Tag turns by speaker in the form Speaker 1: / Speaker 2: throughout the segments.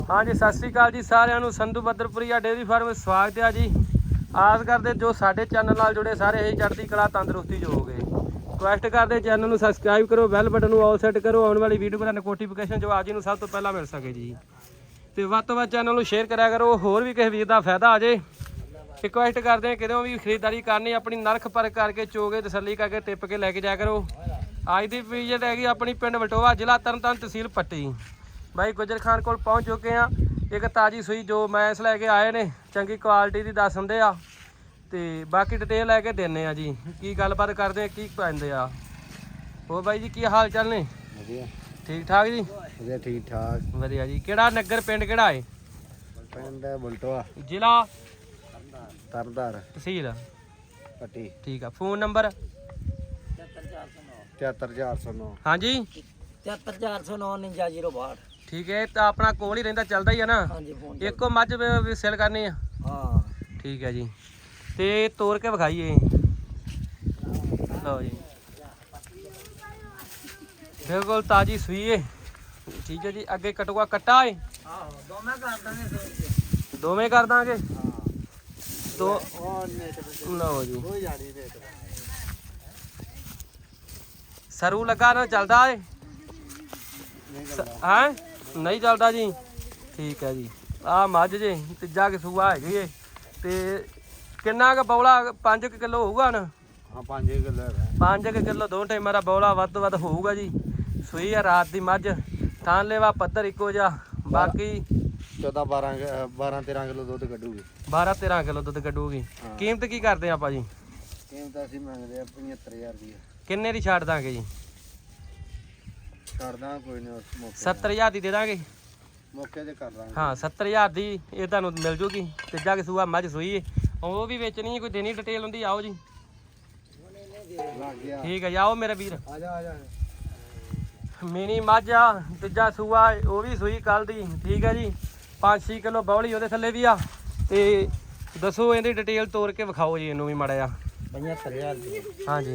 Speaker 1: हाँ जी सत श्री अकाल जी सारिਆਂ ਨੂੰ संधू बदरपुरिया डेयरी फार्म में स्वागत है जी। आस करते जो साडे चैनल नाल जुड़े सारे ही चढ़ती कला तंदुरुस्ती जो हो गए। रिक्वेस्ट करते चैनल ਨੂੰ सबसक्राइब करो, बैल बटन ਨੂੰ ऑल सेट करो, आने वाली वीडियो का नोटिफिकेशन जो आज ਨੂੰ सब तो पहला मिल सके जी। तो ਵੱਧ ਤੋਂ ਵੱਧ चैनल ਨੂੰ शेयर करा करो, होर भी किसी वीर का फायदा आ जाए। रिक्वेस्ट करते हैं कितों भी खरीदारी करनी अपनी नरख परख करके चोगे तसली करके टिप के लैके जाया करो। अज की विजिट हैगी अपनी पिंड वटोवा, जिला तरनताਰਨ, तहसील पट्टी। भाई गुजर खान को पहुँच चुके हैं। एक ताज़ी सूई जो मैंस लैके आए ने चंगी क्वालिटी की दस दिंदे आ ते बाकी डिटेल लैके देने आ जी। की गलबात करते हैं की पैंदे आ। हो भाई जी की हाल चाल ने? ठीक ठाक जी?
Speaker 2: ठीक ठाक
Speaker 1: वधिया जी। किहड़ा नगर पिंड किहड़ा है?
Speaker 2: पिंड बलटोआ,
Speaker 1: जिला
Speaker 2: तरनताਰਨ,
Speaker 1: तहसील
Speaker 2: पट्टी।
Speaker 1: ठीक है। Phone number
Speaker 2: 73409।
Speaker 1: हाँ जी
Speaker 3: 73409 49
Speaker 1: ठीक है। तो अपना कोल ही रहिंदा चलदा ही है ना?
Speaker 3: हाँ जी फोन
Speaker 1: एको मझ भी सेल करनी है?
Speaker 3: हाँ
Speaker 1: ठीक है जी। ते तोड़ के विखाइए लो जी, बिल्कुल ताजी सूई है। ठीक है जी। अगे कटुआ कट्टा है? दोवें कर देंगे तो लो जी। सरू लगा ना चलता है? हैं नहीं चलता जी। ठीक है जी। आ मझ जे तीजा कि सूआ है ते किन्ना क बौला 5 किलो होगा ना?
Speaker 2: हाँ 5 किलो है।
Speaker 1: 5 किलो दो टाइम मेरा बौला वध तो वध होगा जी। सूई है रात की मझ, थान लेवा पत्थर इको जा, बाकी
Speaker 2: 12-13 किलो दूध कड्डूगी।
Speaker 1: 12-13 किलो दुध कड्डूगी। कीमत की करते हैं आप जी?
Speaker 2: कीमत ਅਸੀਂ ਮੰਗਦੇ ਆ 75000 ਦੀ।
Speaker 1: किन्ने की छाड़ देंगे जी?
Speaker 2: ਛੱਡਦਾ ਕੋਈ ਨਹੀਂ ਉਸ ਮੌਕੇ
Speaker 1: 70000 की दे देंगे?
Speaker 2: ਮੌਕੇ ਤੇ ਕਰ ਦਾਂਗੇ।
Speaker 1: हाँ 70000 की ये तुहानू मिल जूगी। तीजा कि सूआ मझ सूई है, वो भी बेचनी है, कोई देनी डिटेल होंगी। आओ जी।
Speaker 2: ਲੱਗ ਗਿਆ।
Speaker 1: ठीक है जी। आओ मेरा वीर।
Speaker 2: ਆ ਜਾ ਆ ਜਾ।
Speaker 1: मिनी मझ आ, तीजा सूआ वो भी सूई कल दी। ठीक है जी। 5-6 किलो बौली वो थले भी आ। ते दसो इहदी डिटेल तोड़ के विखाओ जी इनू भी माड़ा जा।
Speaker 3: 75000 ਦੀ।
Speaker 1: हाँ जी।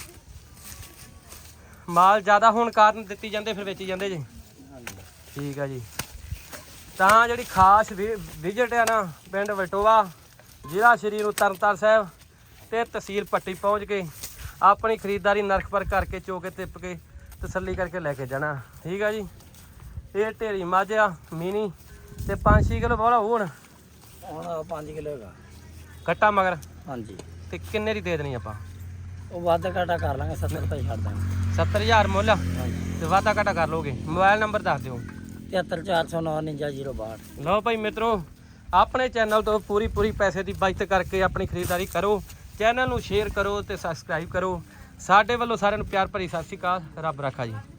Speaker 1: माल ज़्यादा होने कारण दित्ती जाते फिर बेची जाते जी। ठीक है जी। तो जी खास विजिट है ना पिंड वटोवा, जिला श्री तरनताਰਨ साहब ते तहसील पट्टी पहुँच के अपनी खरीदारी नरख पर करके चोके तिप के तसली करके लैके जाना। ठीक है जी। ये ढेरी मझ आ मिनी ते 5-6 किलो बौला होण
Speaker 3: ਹੁਣ 5 ਕਿਲੋ ਹੈਗਾ
Speaker 1: कट्टा मगर
Speaker 3: ਹਾਂਜੀ।
Speaker 1: ते किन्ने दी दे देनी आपां?
Speaker 3: ਉਹ ਵਾਧਾ ਘਾਟਾ ਕਰ ਲਾਂਗੇ 70 ਤਾਂ ਛੱਡ ਦਾਂਗੇ।
Speaker 1: 70000 मुल
Speaker 3: ਹਾਂਜੀ।
Speaker 1: ते वादा घाटा कर लोगे। मोबाइल नंबर दस दिओ।
Speaker 3: 73409 49
Speaker 1: लो भाई मित्रों, अपने चैनल तो पूरी पैसे की बचत करके अपनी खरीदारी करो। चैनल ਨੂੰ शेयर करो तो सबसक्राइब करो। साडे वालों सारिਆਂ ਨੂੰ प्यार भरी सत श्री अकाल। रब रखा जी।